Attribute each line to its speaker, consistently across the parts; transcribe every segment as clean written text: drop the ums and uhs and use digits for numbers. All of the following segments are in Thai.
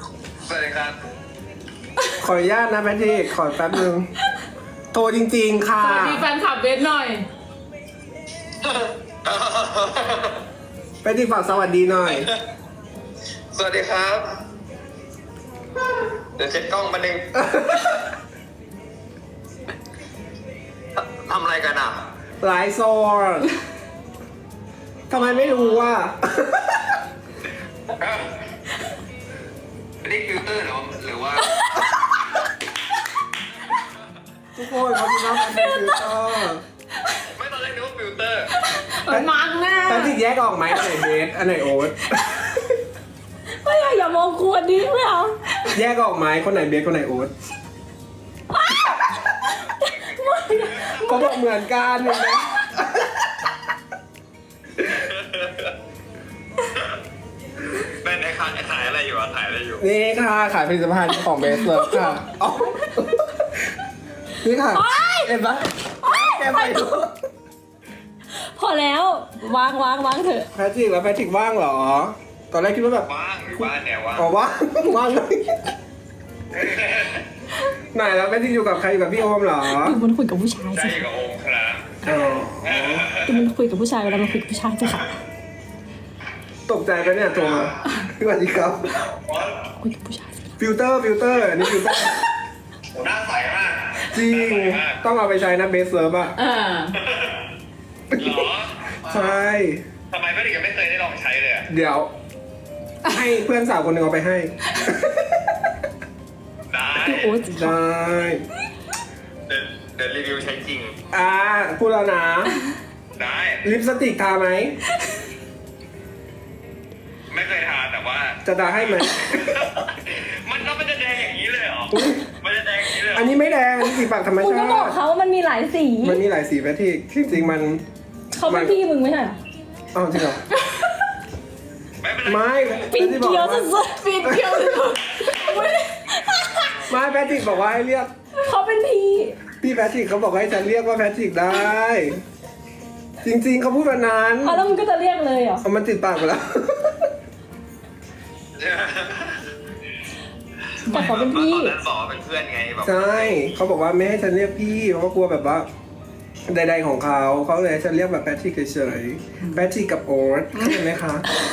Speaker 1: สวัสดีครับ
Speaker 2: ขออนุญาตนะแพทริกขอแป๊บนึงโทรจริงๆค่ะ
Speaker 3: สวัสดีแฟนคลับเบสหน่อย
Speaker 2: แพทริกฝากสวัสดีหน่อย
Speaker 1: สวัสดีครับ เดี๋ยวเช็ดกล้องมาหนึ่งทำอะไรกันอ่ะ
Speaker 2: หลายโซนทำไมไม่รู้ว่า
Speaker 1: นี่ฟิลเตอร์หรือว่า
Speaker 2: ทุกคนเขาจะรับเป็นฟิลเตอร์
Speaker 1: ไม่ตอนแรกนึกว่าฟิลเตอร์
Speaker 3: มันมังแน่
Speaker 2: แพทริกแยกออกไหมอันไหนเบสอันไหนโอ๊ต
Speaker 3: ไม่อย่ามองควรดิไม่เอา
Speaker 2: แยกออกไหมคนไหนเบสคนไหนโอ๊ตเขาบอกเหมือนกันเห็นไหม
Speaker 1: เป็นไอ้ขายอะไรอยู่อ่ะขายอะไรอยู่
Speaker 2: นี่ค่ะขายผลิตภัณฑ์ของเบสเลิฟค่ะอ๋อนี่ค่ะเห็นปะแกไปดู
Speaker 4: พอแล้ววางเถอะ
Speaker 2: แพทริกแล้วแพทริกว่างเหรอ ตอนแรกคิดว่าแบบ
Speaker 1: ว่างหรือว่าเนี่ยว่าง
Speaker 2: อ๋อว่างว่างเลยไหนแล้วแพทริกอยู่กับใครอยู่กับพี่โอมเหรอ
Speaker 4: ดูมันคุยกับผู้ชาย
Speaker 1: ใช่
Speaker 4: สิ
Speaker 1: กับโอมครับ
Speaker 2: อ๋อ
Speaker 4: ดูมันคุยกับผู้ชายเวลามันคุยกับผู้ชายสิค่ะ
Speaker 2: ตกใจไปะเนี่ยโทรมาสวัสดีครับ
Speaker 4: คุยกับผู้ชายสิ
Speaker 2: ฟิลเตอร์อันนี้ฟิลเตอร์
Speaker 1: โหหน้าใสมาก
Speaker 2: จริงต้องเอาไปใช้นะเบสเลิฟอะ
Speaker 3: อ่า
Speaker 1: เหรอ
Speaker 2: ใช่
Speaker 1: ทำไมไม่ถึงไม่เคยได้ลองใช้เลยอ่ะ
Speaker 2: เดี๋ยว ให้เพื่อนสาวคนหนึ่งเอาไปให้
Speaker 1: ได้
Speaker 4: พี่โอ๊ตสิ
Speaker 2: ได้
Speaker 1: เดี๋ยวรีวิวใช้จริง
Speaker 2: พูดแล้วนะ
Speaker 1: ได้
Speaker 2: ลิปสติกทาไหม
Speaker 1: ไม่เคยทานแต่ว่า
Speaker 2: จะทาให้ไหม
Speaker 1: มันจะแดงอย่างนี้เลยเหรอ
Speaker 2: อุ๊ย
Speaker 1: มันจะแดงอย่างนี้เลยเหร
Speaker 2: อั
Speaker 1: อน
Speaker 2: นี้ไม่แดงอันนี้สีปากธรรม
Speaker 4: คุณ
Speaker 2: ชา
Speaker 4: ก็บอก
Speaker 2: ติ
Speaker 4: เขาว่ามันมีหลายสี
Speaker 2: มันมีหลายสีแพทริกที่จริงมัน
Speaker 4: เขาเป็นพี่มึงไม่ใช่เหรอ
Speaker 2: อ้าวจริงเหรอ
Speaker 1: ไม่เป็นไร
Speaker 2: ไม่
Speaker 4: ปิ่นเกลียวสุด
Speaker 3: ปีนเกียวสุด
Speaker 2: ไม่แพทริกบอกว่าให้เรียก
Speaker 4: ๆเขาเป็นพี่
Speaker 2: พี่แพทริกเขาบอกให้ฉันเรียกว่าแพทริกได้ จริงๆเขาพูดแบบนั้น
Speaker 4: เอาแล้วมึงก็จะเรียกเลยเหรอ
Speaker 2: เอามันติดปากไปแล้ว
Speaker 4: แต่เขาเป็นพี่
Speaker 1: ตอนนั้นบอกว่าเป็นเพื่อนไงแบบ
Speaker 2: ใช่เขาบอกว่าไม่ให้ฉันเรียกพี่เพราะว่ากลัวแบบว่าใดๆของเขาเลยให้ฉันเรียกแบบแพทริกเฉยๆแพทริกกับโอ๊ตเข้าใจไหมคะ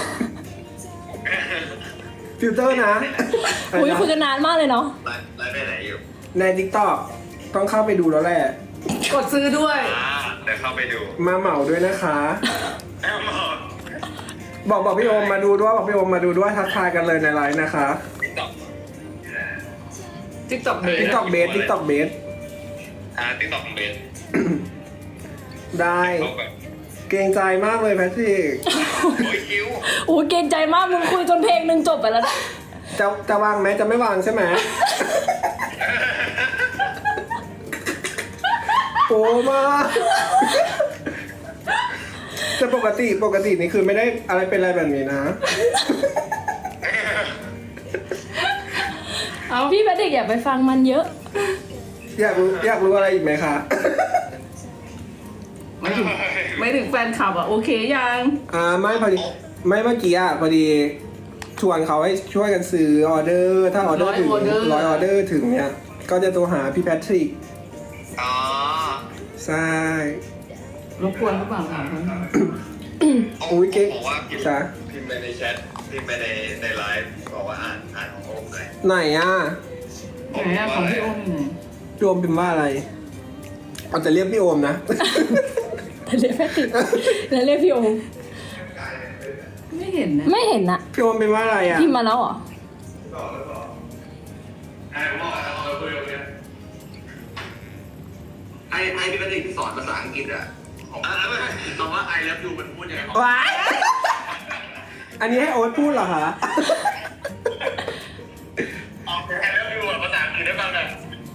Speaker 2: ฟิลเตอร์นะ
Speaker 4: อุ้ยคุยกันนานมากเลยเนาะ
Speaker 1: ไลฟ์ไปไหนอยู่
Speaker 2: ใน TikTok ต้องเข้าไปดูแล้วแหละ
Speaker 3: กดซื้อด้วย
Speaker 1: เดี๋ยวเข้าไปดู
Speaker 2: มาเหมาด้วยนะคะ
Speaker 1: แอมหมด
Speaker 2: บอกพี่โอมมาดูด้วยบอกพี่โอมมาดูด้วยทักทายกันเลยในไลน์นะคะ
Speaker 1: ติ๊กต็อก
Speaker 3: TikTok เบส
Speaker 2: TikTok เบส
Speaker 1: ติ๊กต็อกเบส
Speaker 2: ได้
Speaker 1: เข้าไป
Speaker 2: เกรงใจมากเลยแพทริก
Speaker 1: โอ้ยคิว
Speaker 4: โอ้ยเกรงใจมากมึงคุยจนเพลงหนึ่งจบไปแล้วนะ
Speaker 2: จะวางไหมจะไม่วางใช่ไหมโอ้มากจะปกตินี่คือไม่ได้อะไรเป็นอะไรแบบนี้นะ
Speaker 3: เอา
Speaker 4: พี่แพทริกอย่าไปฟังมันเยอะ
Speaker 2: อยากรู้อะไรอีกไหมคะ
Speaker 3: ไม่ถึงแฟนคลับอ่ะโอเคยัง
Speaker 2: ไม่พอดีไม่เมื่อกี้พอดีชวนเขาให้ช่วยกันซื้อออเดอร์ถ้าออเดอร์ถึง100ออเดอร์ถึงเนี่ยก็จะโทรหาพี่แพทริก
Speaker 1: อ๋อ
Speaker 2: ใช่
Speaker 3: รบกวนหรือเปล่าถามเขา
Speaker 2: อุ๊ยเก๊ก
Speaker 1: บอกว่าพิม
Speaker 2: จ๊ะ
Speaker 1: พ์ไปในแชทพิมพ์ไปในไลฟ์บอกว่าอ่านของโอมหน่อย
Speaker 2: ไหนอ่ะ
Speaker 3: ไหนอะของพี่โอมอยู่ไหน
Speaker 2: พี่โอมเป็นว่าอะไรเอาจะเรียกพี่โอมนะ
Speaker 4: แต่เรียกแพทริกแล้วเรียกพี่โอม
Speaker 3: ไม่เห็นนะ
Speaker 4: ไม่เห็นนะ
Speaker 2: พี่โอมเป็นว่าอะไรอ่ะ
Speaker 4: พิมพ์มาแล้วเหรอ
Speaker 1: ไอ้ที่เป็นเด็กที่สอนภาษาอังกฤษอ่ะของคำว่า I love you มันพูดยังไง
Speaker 2: ว้ายอันนี้ให้โอ๊ตพูดเหรอคะ
Speaker 1: ออก I love you ภาษาอังกฤษได้บ้างนะ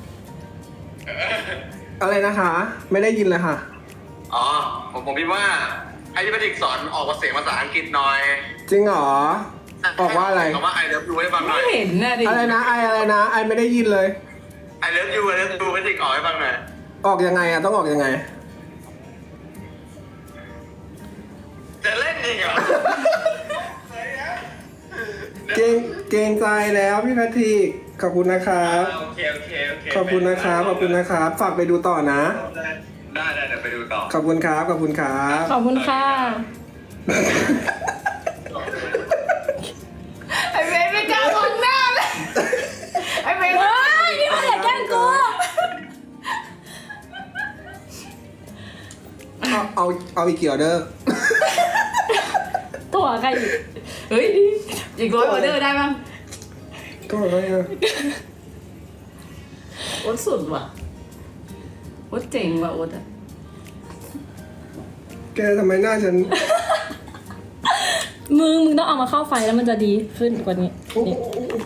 Speaker 2: อะไรนะคะ ไม่ได้ยินเลยค่ะ
Speaker 1: อ๋อผมคิดว่าไอ้ที่เป็นเด็กสอนออกเสียงภาษาอังกฤษหน่อย
Speaker 2: จริงเหรอ บอกว่าอะไร
Speaker 1: คำว่า I love you ให้ฟังหน่
Speaker 3: ไม่
Speaker 1: อย
Speaker 3: เห็นนะดิ
Speaker 2: อะไรนะอะไรนะไอไม่ได้ยินเลย
Speaker 1: I love you เป็นเด็กออกให้ฟังหน่อย
Speaker 2: ออกยังไงอ่ะต้องออกยังไง
Speaker 1: จะเล่นจริงเหรอ ไหน
Speaker 2: เกรงใจแล้วพี่แพทริกขอบคุณนะครับ
Speaker 1: โอเค
Speaker 2: ขอบคุณนะครับฝากไปดูต่อนะ
Speaker 1: ได้เดี๋ยวไปดูต่อ
Speaker 2: ขอบคุณครับ
Speaker 4: ขอบคุณค่ะ
Speaker 3: ไอเบนไม่กล้ามองหน้าเลยไอเบน
Speaker 4: เฮ้ยนี่มันอย่าแกล้งกู
Speaker 2: เอาอีกกี่ออเดอร์
Speaker 4: ตัวใครอีก
Speaker 3: เฮ้ยอีก100 ออเดอร์ได้มั้ง
Speaker 2: ก็อะไรอ่ะ
Speaker 3: โอ๊ตสุดว่ะโอ๊ตเจ๋งว่ะโอ๊ตอะ
Speaker 2: แกทำไมหน้าฉัน
Speaker 4: มึงต้องเอามาเข้าไฟแล้วมันจะดีขึ้นกว่านี้
Speaker 2: โอ้โห
Speaker 4: นี่